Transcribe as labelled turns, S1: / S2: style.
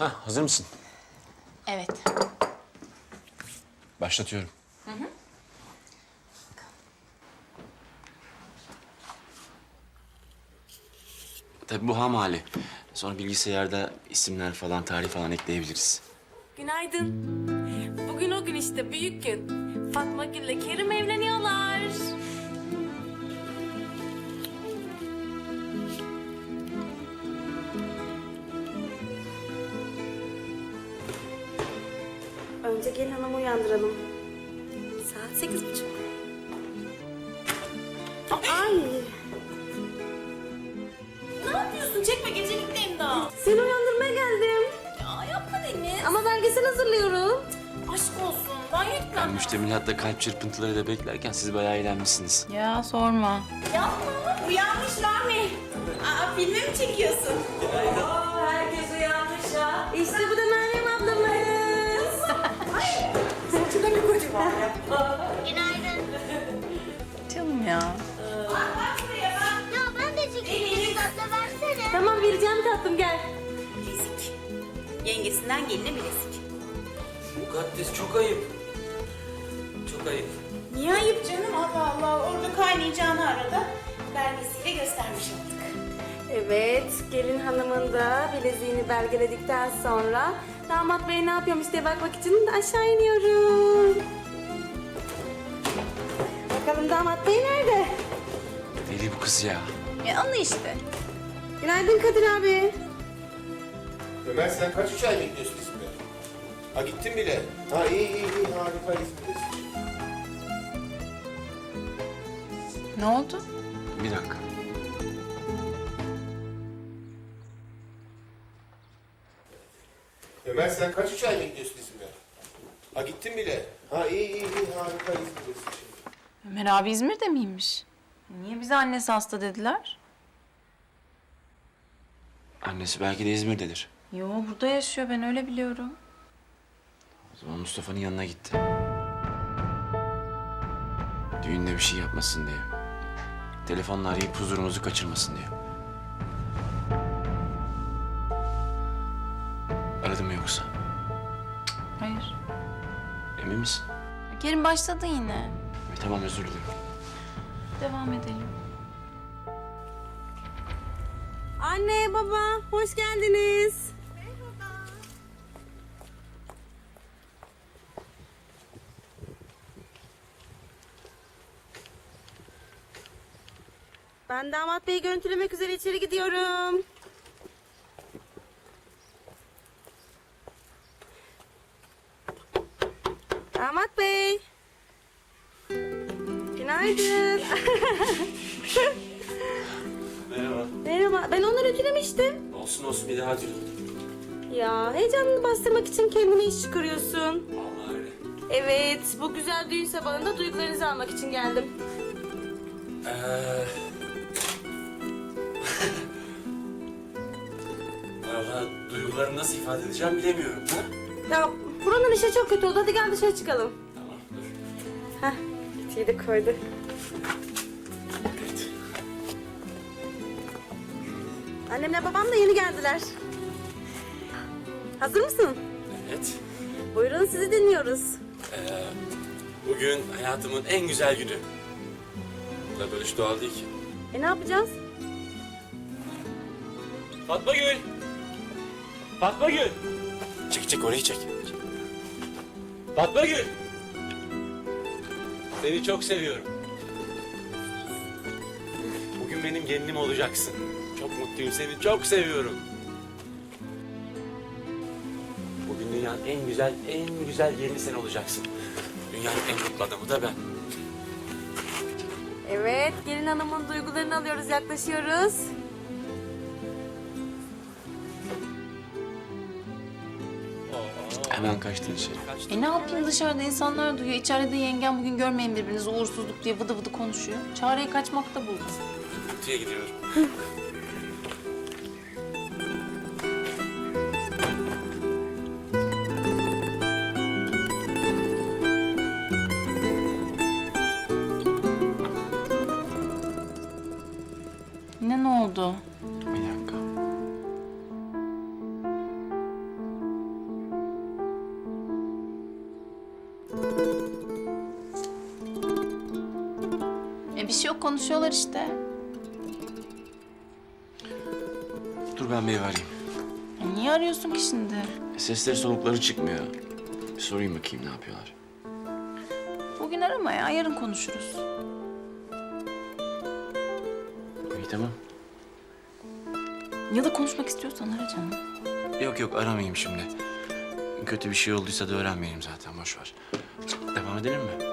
S1: Hazır mısın?
S2: Evet.
S1: Başlatıyorum. Tabii bu ham hali. Sonra bilgisayarda isimler falan, tarih falan ekleyebiliriz.
S3: Günaydın. Bugün o gün işte, büyük gün. Fatma Gül'le Kerim evleniyorlar. Önce gelin hanımı uyandıralım. Saat 8:30. Ay! Ne yapıyorsun? Çekme, gecelikteyim daha. Seni uyandırmaya geldim. Ya yapma Deniz. Ama belgesel hazırlıyorum. Aşk olsun. Ben
S1: Ben
S3: yetmem.
S1: müştemilatta kalp çırpıntılarıyla beklerken siz bayağı eğlenmişsiniz.
S2: Ya sorma.
S3: Yapma. Uyanmış Rami. Aa, filmi mi çekiyorsun? Oo, herkes uyanmış ha. İşte bu da Meryem ablamız. Ay, saçında bir kocaman ya.
S4: Günaydın.
S2: Canım ya.
S3: Bak buraya bak.
S4: Ya ben de çekeyim. Tatlı versene.
S3: Tamam, vereceğim tatlım, gel. Bilezik. Yengesinden geline bilezik.
S5: Mukaddes çok ayıp. Çok ayıp.
S3: Niye ayıp canım? Allah Allah. Orada kaynayacağını arada belgesiyle göstermiş olduk. Evet, gelin hanımın da bileziğini belgeledikten sonra damat bey ne yapıyormuş diye bakmak için aşağı iniyorum. Bakalım damat bey nerede?
S1: Deli bu kız ya.
S2: Ya anla işte.
S3: Günaydın Kadir abi.
S6: Ömer sen kaç üç ay bekliyorsun İzmir'e? Ha gittin bile. Ha iyi harika İzmir'desin.
S2: Ne oldu?
S1: Bir dakika.
S6: Ömer sen kaç üç ay bekliyorsun İzmir'e? Ha gittin bile. Ha iyi harika İzmir'desin.
S2: Ömer abi İzmir'de miymiş? Niye bize annesi hasta dediler?
S1: Annesi belki de İzmir'dedir.
S2: Yo, burada yaşıyor, ben öyle biliyorum.
S1: O zaman Mustafa'nın yanına gitti. Düğünde bir şey yapmasın diye. Telefonla arayıp huzurumuzu kaçırmasın diye. Aradı mı yoksa?
S2: Hayır.
S1: Emin misin?
S2: Kerim başladı yine.
S1: Tamam, özür dilerim.
S2: Devam edelim.
S3: Anne, baba, hoş geldiniz. Ben damat beyi görüntülemek üzere içeri gidiyorum. Damat bey. Günaydın.
S5: Merhaba.
S3: Merhaba. Ben onları ütülemiştim.
S5: Olsun bir daha dilerim.
S3: Ya heyecanını bastırmak için kendine iş çıkarıyorsun.
S5: Vallahi öyle.
S3: Evet, bu güzel düğün sabahında duygularınızı almak için geldim.
S5: Vallahi duygularımı nasıl ifade edeceğim bilemiyorum. Ha?
S3: Ya buranın işi çok kötü oldu. Hadi gel dışarı çıkalım.
S5: Tamam dur.
S3: Heh, ütüyü de koydu.
S5: Evet.
S3: Annemle babam da yeni geldiler. Hazır mısın?
S5: Evet.
S3: Buyurun, sizi dinliyoruz.
S5: Bugün hayatımın en güzel günü. Bu böyle hiç doğal değil ki.
S3: Ne yapacağız?
S5: Fatma Gül! Fatma Gül! Çek orayı çek. Fatma Gül! Seni çok seviyorum. Bugün benim gelinim olacaksın. Çok mutluyum, seni çok seviyorum. Bugün dünyanın en güzel gelini sen olacaksın. Dünyanın en mutlu adamı da ben.
S3: Evet, gelin hanımın duygularını alıyoruz, yaklaşıyoruz.
S1: Hemen kaçtın içeri.
S2: Ne yapayım, dışarıda insanlar duyuyor. İçeride de yengem bugün görmeyin birbirinizi uğursuzluk diye vıdı vıdı konuşuyor. Çareyi kaçmakta buldum.
S5: Kutuya gidiyorum.
S2: Yine ne oldu?
S1: Bir dakika.
S2: konuşuyorlar işte.
S1: Dur ben bir ev arayayım.
S2: Niye arıyorsun ki şimdi?
S1: Sesleri solukları çıkmıyor. Bir sorayım bakayım ne yapıyorlar.
S2: Bugün arama ya, yarın konuşuruz.
S1: İyi tamam.
S2: Ya da konuşmak istiyorsan ara canım.
S1: Yok yok aramayayım şimdi. Kötü bir şey olduysa da öğrenmeyelim zaten boş ver. Devam edelim mi?